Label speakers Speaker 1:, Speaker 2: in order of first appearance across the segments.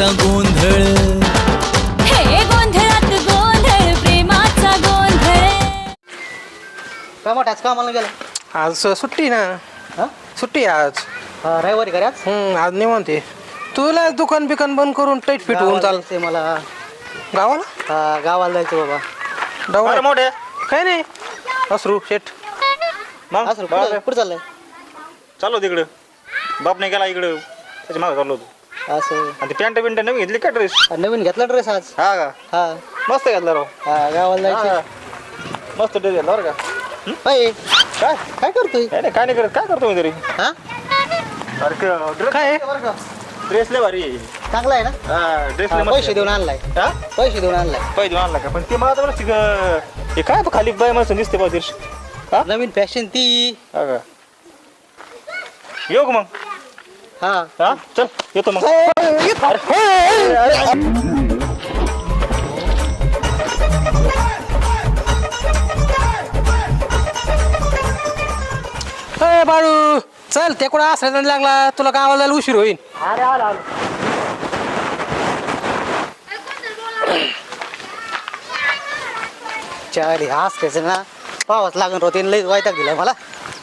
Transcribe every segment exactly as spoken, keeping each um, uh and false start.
Speaker 1: प्रेमाचा गोंधळ,
Speaker 2: हे गोंधळात गोंधळ प्रेमाचा गोंधळ.
Speaker 3: काय मोठा आज कामाला गेला?
Speaker 4: आज सुट्टी ना.
Speaker 3: हा
Speaker 4: सुट्टी आज.
Speaker 3: हा, रविवारी घरी आज
Speaker 4: हम्म आज निवांत आहे. तुला दुकान बिकान बंद करून टाईट फिट होऊन चाल
Speaker 3: जायचंय मला.
Speaker 4: गावाला.
Speaker 3: हा, गावाला जायचं बाबा.
Speaker 4: डवळा
Speaker 5: मोठे
Speaker 4: काय नाही असरू शेट.
Speaker 5: मग
Speaker 3: असं कुठं कुठं चाललंय?
Speaker 5: चाललो तिकडं. बापने गेला इकडं त्याच्या मागे चाललो होतो.
Speaker 3: असं
Speaker 5: आणि ती पॅन्ट बिंट नवीन घेतली का ड्रेस?
Speaker 3: नवीन घेतला ड्रेस आज?
Speaker 5: हा का
Speaker 3: हा
Speaker 5: मस्त घेतला राव.
Speaker 3: हा, गावाला
Speaker 5: हा.
Speaker 3: जायचं.
Speaker 5: मस्त ड्रेस घेतला बरं का.
Speaker 3: अय,
Speaker 5: काय
Speaker 3: काय करतोय?
Speaker 5: काय नाही काय नाही करत काय करतो मी तरी.
Speaker 3: हा,
Speaker 5: ड्रेस
Speaker 4: काय
Speaker 5: ड्रेस लय भारी आहे.
Speaker 3: चांगला आहे ना?
Speaker 5: हा ड्रेस
Speaker 3: हा, पैसे देऊन आणलाय.
Speaker 5: हा
Speaker 3: पैसे देऊन आणलाय.
Speaker 5: पैसे देऊन आणला का पण ते मला तर बरं हे काय खाली बाय मला दिसते बा दिवशी. हा
Speaker 3: नवीन फॅशन ती.
Speaker 5: हा का येऊ का मग?
Speaker 3: हा
Speaker 5: हा चल येतो मग.
Speaker 4: अरे बाळू चल ते कुठं असला लागला तुला गावाला जायला उशीर होईल.
Speaker 3: अरे आलो आलो. चारी हास त्याचं ना पावाच लागून होते लई वायताक दिला मला.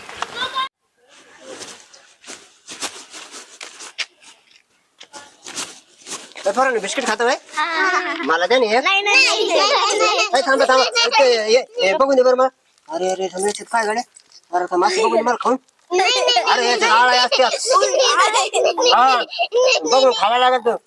Speaker 3: बिस्किट खातो मला द्या नाही. थांबा थांबा बघून दे बरं मला. अरे अरे समजा काय गाड्या. अरे मासे बघून मला खाऊन. अरे याच्या आळ्या असतात. हा बघून खावा लागत तो.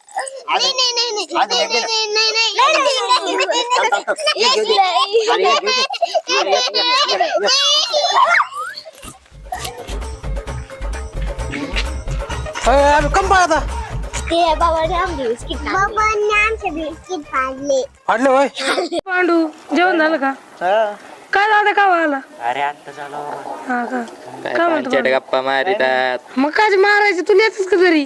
Speaker 4: अरे कम पाहता
Speaker 6: बाबाने आमचे बिस्किट बाबांनी आमचे बिस्किट फाडले.
Speaker 4: फाडले होय.
Speaker 7: पांडू जेवण झालं का? काय झालं का व्हायला?
Speaker 3: अरे आता झालं.
Speaker 7: हा का काय म्हणतो पांडू?
Speaker 8: गप्पा मारितात
Speaker 7: मग काय मारायचं तुला येतच का घरी?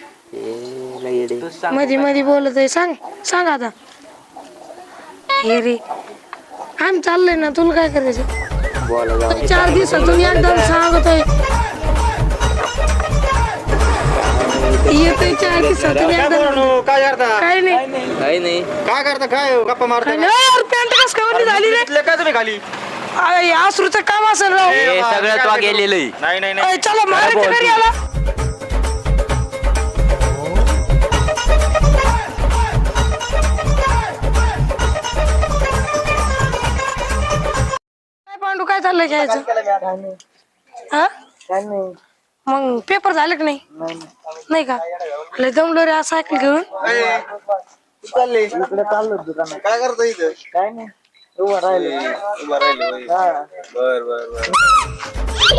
Speaker 7: मध्ये मध्ये बोलत आहे. सांग सांग आता. हे रे आम्ही चाललंय ना तुला काय करायचं?
Speaker 8: बोला जाऊ
Speaker 7: चार दिवसातून एकदम सांगतोय. येतोय चार दिवसातून
Speaker 5: काय
Speaker 7: एकदम.
Speaker 5: बोलू काय करता
Speaker 7: काय नाही
Speaker 8: काही नाही
Speaker 5: काय करता काय गप्पा मारता
Speaker 7: पॅन्ट कस काय झाली रे?
Speaker 5: इथले काय तुम्ही खाली
Speaker 7: अरे आसरूचं काम असेल राव.
Speaker 8: हे सगळं तो गेलेलं आहे.
Speaker 5: नाही नाही
Speaker 7: अरे
Speaker 5: नाही
Speaker 7: चला मारायचं घरी आला. काय पांडू काय चाललंय घ्यायचं? हा मग पेपर झाले का नाही? नाही का? लय जमलो रे आज सायकल घेऊन.
Speaker 3: चालले इकडे चाललो दुकानात. काय करतो इथं? काय नाही उभा राहिले. उभा राहिले. हा बर बर बर.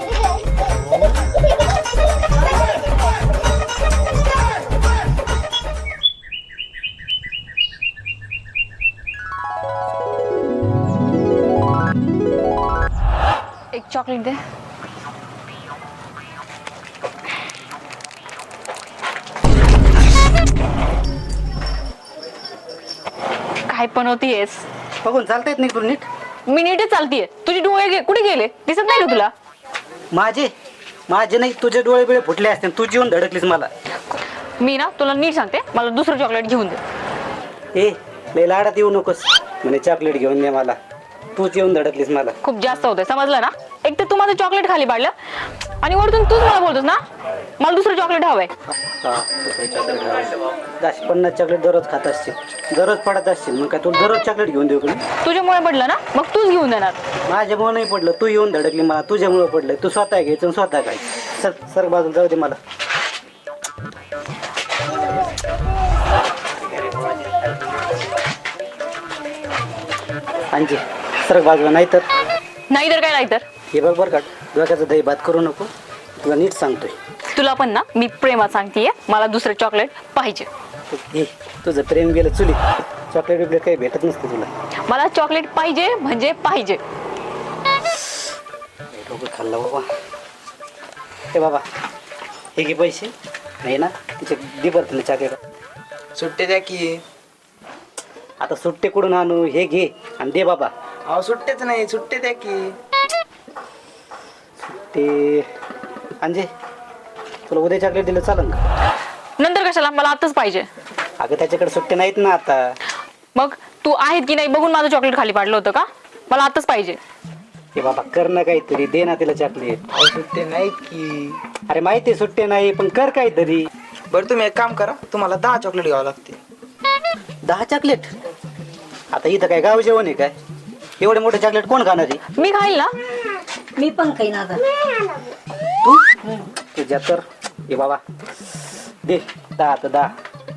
Speaker 9: एक चॉकलेट दे. काय पण होतीयेस?
Speaker 3: बघून चालता येत नाही तुला नीट?
Speaker 9: मी नीटच चालतीये. तुझे डोळे गे- कुठे गेले? दिसत नाही का तुला?
Speaker 3: माझे माझे नाही तुझे डोळे बिळे फुटले असते तू जीवन धडकलीस मला.
Speaker 9: मी ना तुला नीट सांगते, मला दुसरं चॉकलेट घेऊन दे.
Speaker 3: ए लय लाडात येऊ नकोस. म्हणे चॉकलेट घेऊन दे मला. तूच येऊन धडकलीस मला.
Speaker 9: खूप जास्त होतंय समजलं ना? एक तर तू माझं चॉकलेट खाली पाडलं आणि वरतून तूच मला बोलतोस ना मला दुसरं चॉकलेट हवंय.
Speaker 3: दहा पन्नास चॉकलेट दररोज खात असतील. दररोज पडत असतील. मग काय तुला दररोज चॉकलेट घेऊन देऊ का?
Speaker 9: तुझ्यामुळे पडलं ना मग तूच घेऊन देणार.
Speaker 3: माझ्यामुळे नाही पडलं. तू येऊन धडकली मला. तुझ्यामुळे पडलं. तू स्वतः घ्यायचं स्वतः काय. सर सर बाजूला जाऊ दे मला. आणखी सर बाजूला नाही तर
Speaker 9: नाही तर काय नाही तर
Speaker 3: हे बघ बरं का डोक्याचं दही भात करू नको. तुला नीट सांगतोय.
Speaker 9: तुला पण ना मी प्रेमात सांगतेय मला दुसरं चॉकलेट पाहिजे.
Speaker 3: हे तुझं प्रेम गेलं चुली. चॉकलेट बिकलेट काही भेटत नसतं तुला.
Speaker 9: मला चॉकलेट पाहिजे म्हणजे पाहिजे.
Speaker 3: डोकं खाल्लं बाबा. हे बाबा हे घे पैसे. नाही ना तिचे दे बरं चॉकलेट.
Speaker 4: सुट्टी द्या की.
Speaker 3: आता सुट्टे कुठून आणू? हे घे आणि दे बाबा.
Speaker 4: अहो सुट्टेच नाही सुट्टे द्या की.
Speaker 3: ते अंजे तुला उद्या चॉकलेट दिलं चालेल का?
Speaker 9: नंतर कशाला मला आताच पाहिजे.
Speaker 1: अगं त्याच्याकडे सुट्टे नाहीत ना आता.
Speaker 9: मग तू आहेत की नाही बघून माझं चॉकलेट खाली पाडलं होतं का? मला आताच पाहिजे.
Speaker 1: हे बाबा कर ना काहीतरी, दे ना तिला चॉकलेट.
Speaker 10: सुट्टे नाहीत की.
Speaker 1: अरे माहिती आहे सुट्टे नाही पण कर काहीतरी.
Speaker 10: बरं तुम्ही एक काम करा, तुम्हाला दहा चॉकलेट घ्यावं लागते.
Speaker 1: दहा चॉकलेट? आता इथं काय गाव जेवण आहे काय? एवढे मोठे चॉकलेट कोण खाणार आहे?
Speaker 9: मी खाईल ना.
Speaker 7: मी पण काही ना आता.
Speaker 1: तू तुझ्या तर हे बाबा दे दहा आता दहा.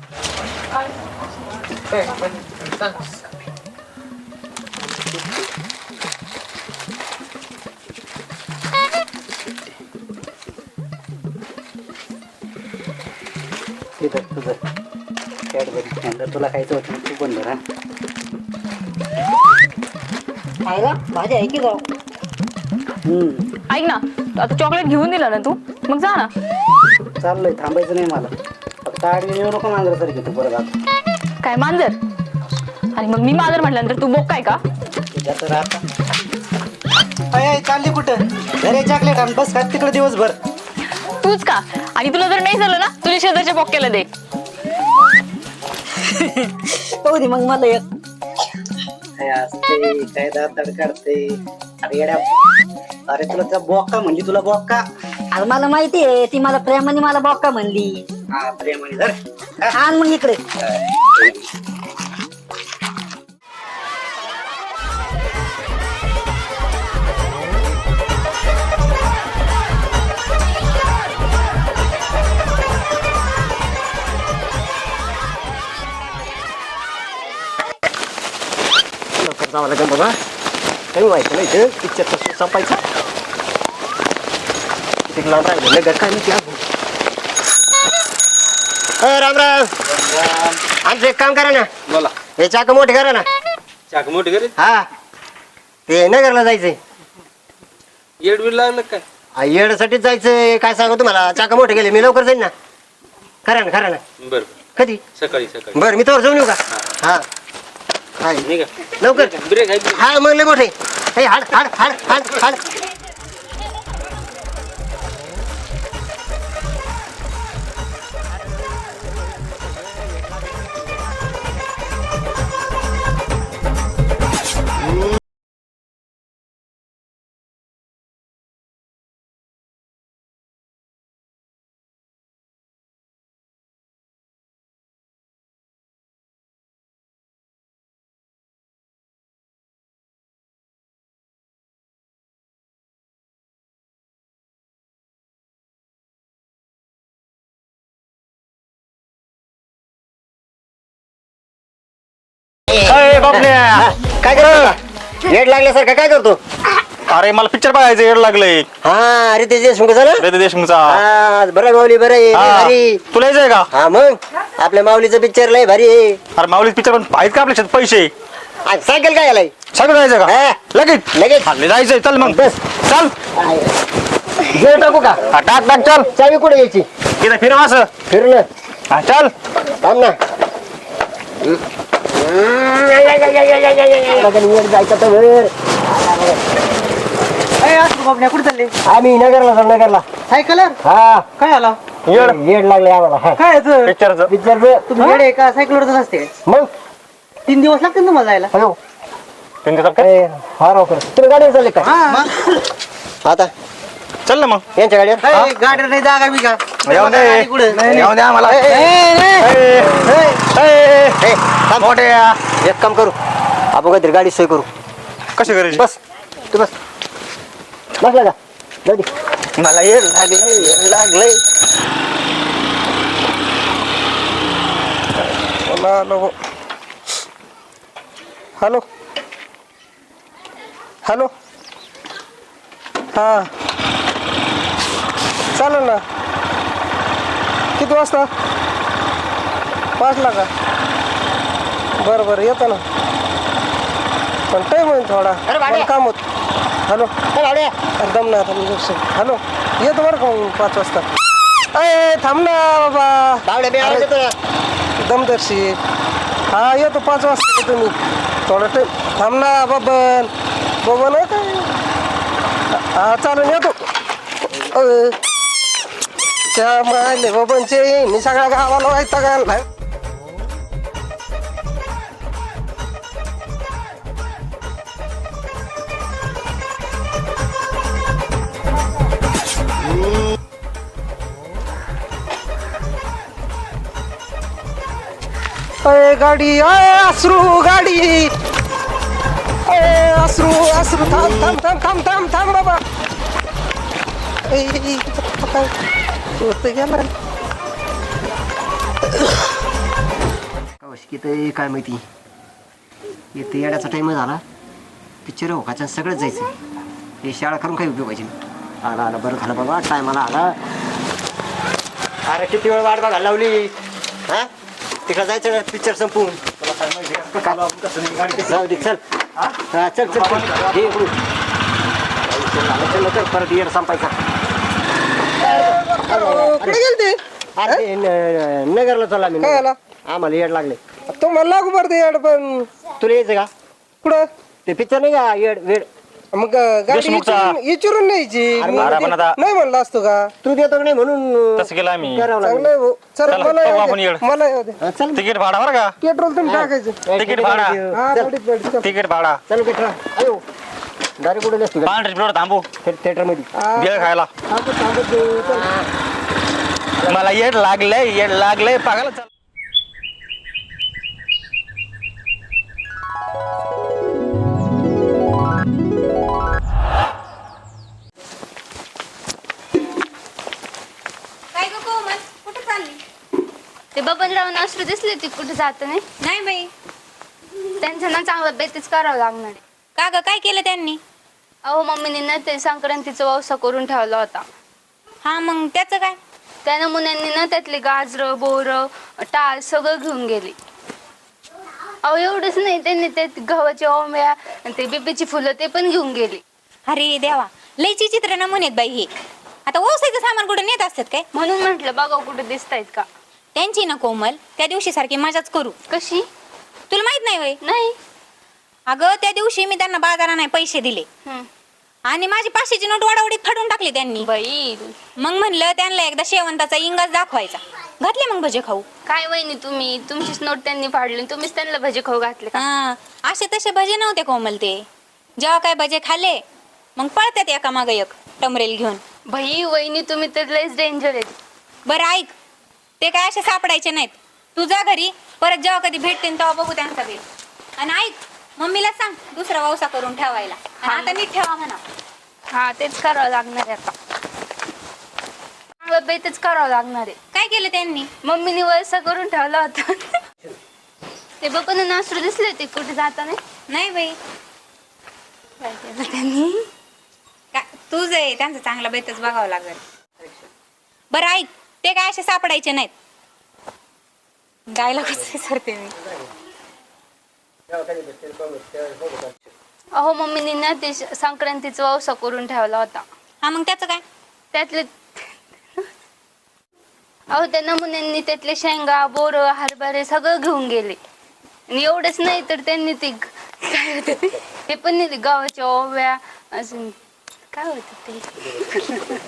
Speaker 1: तुझं तुझं कॅडबरी नंतर तुला खायचं होतं तू पण बरं.
Speaker 7: खायला भाजी आहे की जाऊ.
Speaker 1: हम्म
Speaker 9: ऐक ना, आता चॉकलेट घेऊन दिलं ना तू, मग जा ना.
Speaker 1: चाललंय, थांबायचं नाही मला. फक्त आडवी येऊ नको मांजरासारखी तू परत आता.
Speaker 9: काय मांजर? आणि मग मी मांजर म्हटल्यानंतर तू बोक काय का?
Speaker 1: तुझ्या तर आता अय चालली कुठं? घरी चॉकलेट आण बस खात तिकडे दिवसभर.
Speaker 9: तूच का? आणि तुला जर नाही झालं ना तुझ्या शेजारच्या बोक्याला दे.
Speaker 7: हो दे मग मला एक.
Speaker 1: काय असते काय दाताड काढते. अरे येड्या, अरे तुला त्या बॉक्का म्हणली, तुला बॉक्का.
Speaker 7: अरे मला माहिती आहे ती मला प्रेमाने मला बॉक्का म्हणली.
Speaker 1: हा प्रेमाने धर.
Speaker 7: आण मग इकडे.
Speaker 3: लवकर जावं लागेल बाबा. काही व्हायचं नाही इथं. पिक्चरचा शो संपायचा. तिथे लावून राहिलं लगत काय नाही. राम राम. आमचं एक काम करा ना.
Speaker 4: बोला.
Speaker 3: हे चाक मोठे करा ना.
Speaker 4: चाक मोठी करे.
Speaker 3: हा ते नगरला जायचंय.
Speaker 4: येड बीड लागलं काय?
Speaker 3: हा, येण्यासाठीच जायचंय. काय सांगू तुम्हाला, चाक मोठे गेले. मी लवकर जाईन ना. खरा ना खरा ना.
Speaker 4: बर
Speaker 3: कधी?
Speaker 4: सकाळी सकाळी.
Speaker 3: बरं मी तोवर जाऊन येऊ का? हा हाय
Speaker 4: नाही का?
Speaker 3: लवकर.
Speaker 4: ब्रेक आहे.
Speaker 3: हा मग लय मोठे. हे हाड हाड हाड हाड हाड.
Speaker 5: अरे बापल्या,
Speaker 3: काय करतो? येड लागल्यासारखं काय करतो?
Speaker 5: अरे मला पिक्चर बघायचं येड लागलंय.
Speaker 3: हा अरे ते देशमुखचा ना.
Speaker 5: रे देशमुखचा.
Speaker 3: हा बरं माऊली बरं आहे. लय
Speaker 5: हा.
Speaker 3: भारी.
Speaker 5: तुला यायचंय का?
Speaker 3: हा मग आपल्या माऊलीचं पिक्चर लय भारी आहे.
Speaker 5: अरे माऊलीच पिक्चर पण आहेत का आपल्या शेतात पैसे?
Speaker 3: आज सायकल काय आलाय?
Speaker 5: सगळं जायचं का?
Speaker 3: हा.
Speaker 5: लगेच
Speaker 3: लगेच
Speaker 5: चालले जायचंय. चल मग
Speaker 3: बस.
Speaker 5: चल.
Speaker 3: जेव टाकू का?
Speaker 5: हा, टाक टाक चल.
Speaker 3: चावी कुठे यायची?
Speaker 5: इथं फिर असं.
Speaker 3: फिरलं.
Speaker 5: हा चल.
Speaker 3: थांब ना. जायचं तर वर.
Speaker 7: कुठे चालले?
Speaker 3: आम्ही नगरला जाऊ नगरला.
Speaker 7: सायकल
Speaker 3: हा
Speaker 7: काय आला?
Speaker 3: येड येड लागले आम्हाला. हा.
Speaker 7: काय याचं?
Speaker 5: पिक्चरचं.
Speaker 3: पिक्चरचं.
Speaker 7: तुम्ही येडे का? सायकलवरच असते.
Speaker 3: मग
Speaker 7: तीन दिवस लागतील तुम्हाला जायला.
Speaker 3: हॅलो
Speaker 5: तीन दिवसात काय?
Speaker 3: हा राव कर. तुम्ही गाडीवर चालले का? आता
Speaker 5: चल ना मग.
Speaker 3: यांच्या गाडीवर.
Speaker 7: गाडी नाही जागा मी का?
Speaker 5: येऊन दे. येऊन दे आम्हाला.
Speaker 3: ए, थांब.
Speaker 5: मोठे या.
Speaker 3: एक काम करू, आपण काहीतरी गाडी सोय करू.
Speaker 5: कशी करायची?
Speaker 3: बस तू बस. बसला का? जाऊ दे.
Speaker 5: मला येड लागलंय येड लागलंय. Hello hello hello. हा चालेल ना. किती वाजता? पाचला का? बरं बरं येतो ना. पण टाईम होईल थोडा. मला काम होत. हॅलो दम ना आता मी. हॅलो येतो बरं का मग पाच वाजता. अय थांब ना बाबा. दमदर्शी. हा येतो पाच वाजता येतो मी. थोडा टाईम थांब ना बबन. बबन आहे काय? हा चालेल येतो. त्या मायले बबनचे मी सगळ्या गावाला व्हायचा का? ए गाडी अय अश्रू गाडी ए अश्रू अश्रू थांब थांब थांब थांब थांब थांब बाबा ए, ए, काय होतं गेलं
Speaker 3: किती काय माहिती येते येण्याचा टाइम झाला पिक्चर हो का सगळंच जायचं हे शाळा करून काही उपयोगायची नाही आला आला बरं झालं बाबा टायमाला आला अरे किती वेळ वाट बघायला लावली हा तिकडे जायचं पिक्चर संपून जाऊ दे चल हा चल चल चल ये चल चल परत येड संपायचा
Speaker 5: कुठे गेलते
Speaker 3: अरे नगरला चला मी
Speaker 5: काय आला
Speaker 3: आम्हाला येड लागले
Speaker 5: तो मला लागू पडते याड पण
Speaker 3: तुला यायचं का
Speaker 5: कुठं
Speaker 3: ते पिक्चर नाही का येड वेड
Speaker 5: मग गाडी इचरून इचरून न्यायची मी नाही म्हणलं असतो का
Speaker 3: तू देतो का नाही म्हणून
Speaker 11: तसं केलं आम्ही
Speaker 3: करावं लागलं.
Speaker 5: चांगलं आहे भाऊ. चल
Speaker 11: चला,
Speaker 5: मला
Speaker 11: पाहू
Speaker 5: येऊ
Speaker 11: आपण
Speaker 5: दे.
Speaker 11: येड.
Speaker 5: मला येऊ दे
Speaker 3: हा, चल
Speaker 11: तिकीट भाडा बरं का
Speaker 5: पेट्रोल तुम्ही टाकायचं
Speaker 11: तिकीट भाडा
Speaker 5: हा
Speaker 3: चल.
Speaker 5: गाडीत गाडीत चल.
Speaker 11: तिकीट भाडा
Speaker 3: चल बेटा अयो दारी कुठे नसतो
Speaker 11: पांढरी प्लेट थांबू
Speaker 3: थिएटर मध्ये
Speaker 5: हा,
Speaker 11: बेळ खायला
Speaker 5: थांबत थांबत जाऊ. चल.
Speaker 11: मला येड लागलंय येड लागलंय पागायला चल
Speaker 2: काय ग कोमल कुठे चालली ते बबनराव नाश्रू दिसले ती कुठे जात नाही
Speaker 12: नाही बाई
Speaker 2: त्यांचं ना चांगलं बेतीच करावं लागणार आहे.
Speaker 12: का ग काय केलं त्यांनी
Speaker 2: अहो मम्मीने ना ते संक्रांतीचा व्यवसाय करून ठेवला होता
Speaker 12: हा मग त्याचं काय
Speaker 2: त्या नमुन्यांनी ना त्यातले गाजर बोर टाळ सगळं घेऊन गेली अहो एवढंच नाही त्यांनी ते गव्हाची ओंब्या आणि ते बिबीची फुलं ते पण घेऊन गेली
Speaker 12: अरे देवा लयची चित्र नमुने आहेत बाई हे आता ओसायचं सामान कुठे नेत असतात काय
Speaker 2: म्हणून म्हटलं बघा कुठे दिसतायत का
Speaker 12: त्यांची ना कोमल त्या दिवशी सारखी मजाच करू
Speaker 2: कशी
Speaker 12: तुला माहित नाही बाई
Speaker 2: नाही
Speaker 12: अगं त्या दिवशी मी त्यांना बाजारा नाही पैसे दिले
Speaker 2: हम्म.
Speaker 12: आणि माझी पाचशेची नोट वाडावडीत फाडून टाकली त्यांनी
Speaker 2: बाई
Speaker 12: मग म्हणलं त्यांना एकदा शेवंताचा इंगाच दाखवायचा घातले मग भजे खाऊ
Speaker 2: काय वहिनी तुम्ही तुमचीच नोट त्यांनी फाडली तुम्हीच त्यांना भजे खाऊ घातले का?
Speaker 12: हा असे तसे भजे नव्हते कोमल ते जेव्हा काय भजे खाल्ले मग पळतात एका माग एक टमरेल घेऊन
Speaker 2: बाई वहिनी तुम्ही तर लयच डेंजर आहेत
Speaker 12: बरं ऐक ते काय असे सापडायचे नाहीत तू जा घरी परत जेव्हा कधी भेटते तेव्हा बघू त्यांचा वेळ आणि ऐक मम्मीला सांग दुसरा व्यवसाय करून ठेवायला आणि आता नीट ठेवा म्हणा
Speaker 2: हा तेच करावं लागणार आहे आता चांगलं बेतच करावं लागणार आहे
Speaker 12: काय केलं त्यांनी
Speaker 2: मम्मीने व्यवसाय करून ठेवला होता ते बघून नाश्रू दिसले होते कुठे जाताना
Speaker 12: नाही बाई
Speaker 2: काय केलं त्यांनी
Speaker 12: का तुझ आहे त्यांचं चांगला बेतच बघावं लागेल बरं ऐक ते काय असे सापडायचे नाहीत गायला कसं सरते मी
Speaker 2: अहो मम्मीने ना ते संक्रांतीचा व्यवसाय करून ठेवला होता
Speaker 12: हा मग त्याचं काय
Speaker 2: त्यातले अहो त्या नमुन्यांनी त्यातले शेंगा बोर हरभरे सगळं घेऊन गेले आणि एवढंच नाही तर त्यांनी ते ग- काय होतं ते ते पण नेले गावाच्या ओव्या अजून काय होतं ते